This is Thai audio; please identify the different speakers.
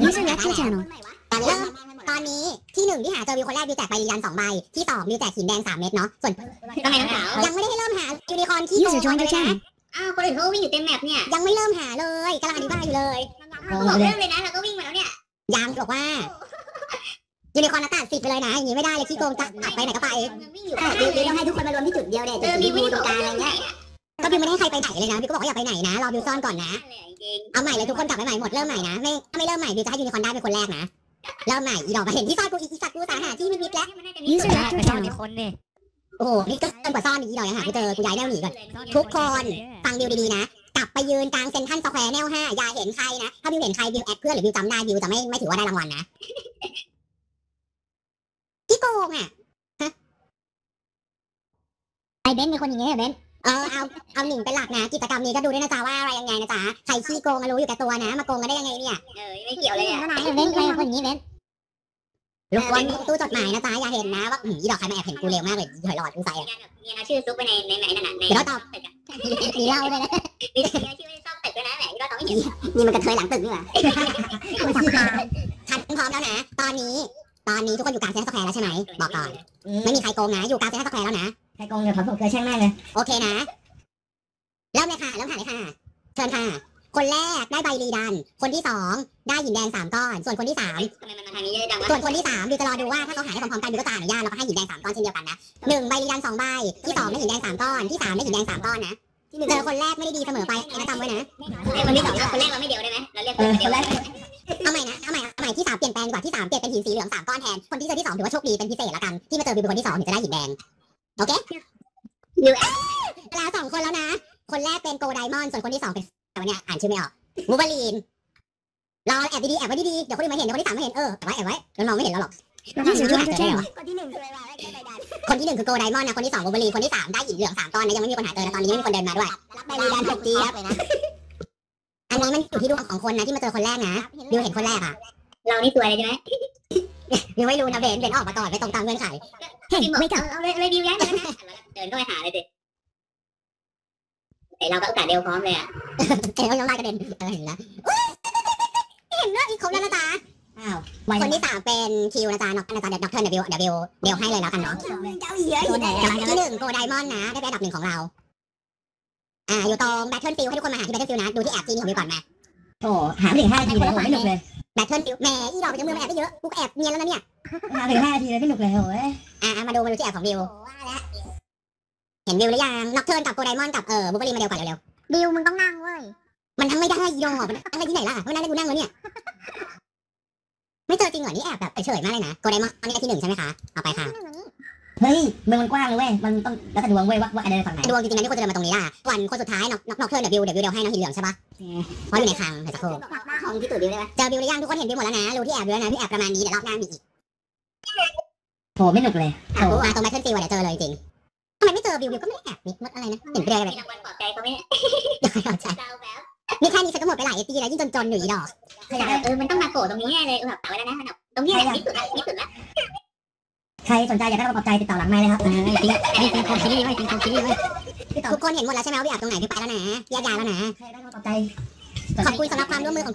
Speaker 1: User left your channel
Speaker 2: ตอนนี้ที่1ที่หาเจอวิวคนแรกวิวแจกใบยืนยัน2 ใบที่2วิวแจกหินแดง3 เม็ดเนาะส่วน
Speaker 3: ทำไมน้องสาว
Speaker 2: ยังไม่ได้ให้เริ่มหายูนิคอร์นที่โก
Speaker 1: User
Speaker 2: ง
Speaker 1: joined
Speaker 2: เล
Speaker 1: your
Speaker 2: ยนะ
Speaker 1: channel
Speaker 3: อ้าวคนอื่นเขาวิ่งอยู่เต็มแมปเนี่ย
Speaker 2: ยังไม่เริ่มหาเลยกำลังอธิบายอยู่เลย
Speaker 3: บอกเริ่มเลยนะเราก็วิ่งมาแล้วเนี่ย
Speaker 2: ยังบอกว่ายูนิคอร์นตัด10ไปเลยนะอย่างนี้ไม่ได้เลยขี้โกงจะตัดไปไหนก็ไป
Speaker 3: วิ่งอยู่
Speaker 2: วิวต้องให้ทุกคนมารวมที่จุดเดียวเด็ดจุด
Speaker 3: วิ่ง
Speaker 2: ตรงกลางอะไรเงี้ยก็วิวไม่ได้ให้ใครไปไหนเลยนะวิวก็บอกว่าอย่าไปไหนนะรอวิวซ่อนก่อนนะเอาใหม่เลยทุกคนกลับไปใหม่หมดเริ่มใหม่นะไม่เริ่มใหม่วิวจะให้ยูนิคอร์นได้เป็นคนแรกนะเริ่มใหม่อีดอกมาเห็นที่ซ่อนกูอีสัตว์กูสาหาที่มิดแล้ว
Speaker 1: User left your channel
Speaker 4: คนนี่
Speaker 2: โอ้โหนี่ก็เกินกว่าซ่อนอีดอกยังหากูเจอกูย้ายแนวหนีก่อนทุกคนฟังวิวดีๆนะกลับไปยืนกลางเซ็นทรัลสแควร์แนว5อย่าเห็นใครนะถ้าวิวเห็นใครวิวแอดเพื่อนหรือวิวจำได้วิวจะไม่ถือว่าได้รางวัลนะที่โกงอ่ะไอเบนเป็นคนอย่างเงี้ยเบนเอาหนิงเป็นหลักนะกิจกรรมนี้ก็ดูด้วยนะจ๊ะว่าอะไรยังไงนะจ๊ะใครขี้โกงรู้อยู่แก่ตัวนะมาโกงกันได้ยังไงเนี่ย
Speaker 3: ไม่เกี่ยวเลยอ่ะ
Speaker 2: เบนใครคนอย่างนี้เบนรบกวนตู้จดหมายนะจ๊ะอย่าเห็นนะว่าอีดอกใครมาแอบเห็นกูเร็วมากเลยถอยหลอดกูใส่อะ
Speaker 3: เนี่ยนะชื่อซุปไปในนั่นน่ะใน
Speaker 2: เดี๋ยวเราตอบมีเล่าเลยนะ
Speaker 3: มีชื่อในซ่อมตึกด้วยนะแหมที่เราต้องไม่เห็น
Speaker 2: นี่มันกระเทยหลังตึกนี่หว่าทันพร้อมแล้วนะตอนนี้ทุกคนอยู่กลางเซ็นทรัลสแควร์แล้วใช่ไหมบอกก่อนไม่มีใครโกงนะอยู่กลางเซ็นทรัลสแควร์แล้วนะใครโกงเดี๋ยวเขาส่งเกลือแช่งแม่เลยโอเคนะเริ่มเลยค่ะเริ่มหาเลยค่ะเชิญค่ะคนแรกได้ใบรีดันคนที่2ได้หินแดง3 ก้อนส่วนคนที่3
Speaker 3: ทำไมมันมาทางนี้เยอะจังวะ
Speaker 2: ส่วนคนที่3ดูจะรอดูว่าถ้าเขาหาได้พร้อมๆกันดูก็จะอนุญาตแล้วก็ให้หินแดง3 ก้อนเช่นเดียวกันนะ1ใบรีดัน2 ใบที่2ได้หินแดง3 ก้อนที่3ได้หินแดง3 ก้อนนะเจอคนแรกไม่ได้ดีเสมอไปนะจำไว้นะ
Speaker 3: คนที่2คนแรกเราไม่เดียวได้ไหมเราเรียกคนแรก
Speaker 2: เอาใหม่นะเอาใหม่ที่3เปลี่ยนแปลงดีกว่าที่3เปลี่ยนเป็นหินสีเหลือง3 ก้อนแทนคนที่เจอที่2ถือว่าโชคดีเป็นพิเศษละกันที่มาเจอวิวเป็นคนที่2ถึงจะได้หินแดงโอเคแล้ว2 คนแล้วนะคนแรกเป็นโกไดมอนด์ส่วนคนที่2เป็นแต่วันนี้อ่านชื่อไม่ออกวูบาลีนรอแอบดีๆแอบไว้ดีๆเดี๋ยวคนอื่นมาเห็นเดี๋ยวคนที่3มาเห็นแอบไว้แล้วน้องไม่เห็นเราหรอก
Speaker 1: User joined your channel
Speaker 2: คนที่1คืออะไรคนที่1คือโกไดมอนด์นะคนที่2วูบาลีนคนที่3ได้หินเหลือง3 ก้อนนะยังไม่มีคนหาเจอนะตอนนี้ไม่มีคนเดินมาด้วยรับไปรีดัน6 จี๊บเลยนะอันนี้มันอยู่ที่ดวงของคนนะที่มาเจอคนแรกนะดิวเห็นคนแรกอะ
Speaker 3: เรานี่ตัวอะไรใช่ไหม
Speaker 2: ยังไม่รู้นะเบนออกมาก่อนไม่ตรงตามเงื่อนไข
Speaker 1: Hey wake up
Speaker 3: เอาเลยดิวย้ายมานะเดินเข้าไปหาเลยดิไอเราก็โอกาสเดียวพร้อมเลยอ่ะ
Speaker 2: ยังไล่กระเด็นเห็นแล้วเห็นด้วยอีกครบแล้วนะจ๊ะอ้าวคนที่3เป็นคิวนะจ๊ะน็อกนะจ๊ะเดี๋ยวด็อกเตอร์เดี๋ยวให้เลยแล้วกันเนาะที่1โกไดมอนด์นะได้เป็นอันดับ1ของเราอยู่ตรงแบทเทิลฟิลให้ทุกคนมาหาที่แบทเทิลฟิลนะดูที่แอบจีนี่ของวิวก่อนมาโอ้หาไม่ถึง5 นาทีเลยไม่หนุกเลยแบทเทิลฟิลแหมอีดอกจะมือมาแอบได้เยอะกูแอบเนียนแล้วนะเนี่ยหาถึง5 นาทีเลยไม่หนุกเลยโอ้ยมาดูที่แอบของวิวเห็นวิวหรือยังน็อกเทิร์นกับโกไดมอนด์กับบูเบอรี่มาเร็วก่อนเร็วๆวิวมึงต้องนั่งเว้ยมันทั้งไม่ได้อีดอกมันนั่งได้ที่ไหนล่ะมันนั่งได้กูนั่งแล้วเนี่ยไม่เจอจริงเหรอนี่แอบแบบเฉยมากเลยนะโกไดมอนด์อันนี้ได้ที่1ใช่ไหมคะเอาไปค่ะเฮ้ยเมืองมันกว้างเลยเว้ยมันต้องแล้วแต่ดวงเว้ยว่าอะไรฝั่งไหนดวงจริงๆนะที่คนจะเดินมาตรงนี้ล่ะวันคนสุดท้ายน็อกเทิร์นเดี๋ยววิวให้น้องหินเหลืองใช่ปะเพราะอยู่ในคลังเดี๋ยวสักครู่ของที่ตื่นวิวได้ไหมเจอวิวหรือยังทุกคนเห็นวิวหมดแล้วนะรู้ที่แอบวิวแล้วนะที่แอบประมาณนี้เดี๋ยวรอบหน้ามีอีกโหไม่หนุกเลยตรงแบทเทิลฟิลเดี๋ยวเจอเลยจริงทำไมไม่เจอวิวก็ไม่แอบนิดอะไรนะเห็นไปเลยแบบ
Speaker 3: มีรางวัลปลอบใจเขาไหมเนี่ย
Speaker 2: เดาแบบนี่แค่นี้ฉันก็หมดไปหลายปีแล้วยิ่งจนอยู่อีดอก
Speaker 3: มันต้องมาโผล่ตรงนี้แน่เลยแบบไว้แล้วนะตรงนี้แหละที่สุดแล้ว
Speaker 2: ใครสนใจอยากได้รับปลอบใจติดต่อหลังไมค์เลยครับนี่เป็นคนคิดดีไหมทุกคนเห็นหมดแล้วใช่ไหมว่าพี่แอบตรงไหนพี่ไปแล้วนะแยกย้ายแล้วนะใครได้รับปลอบใจขอบคุณสำหรับความร่วมมือของ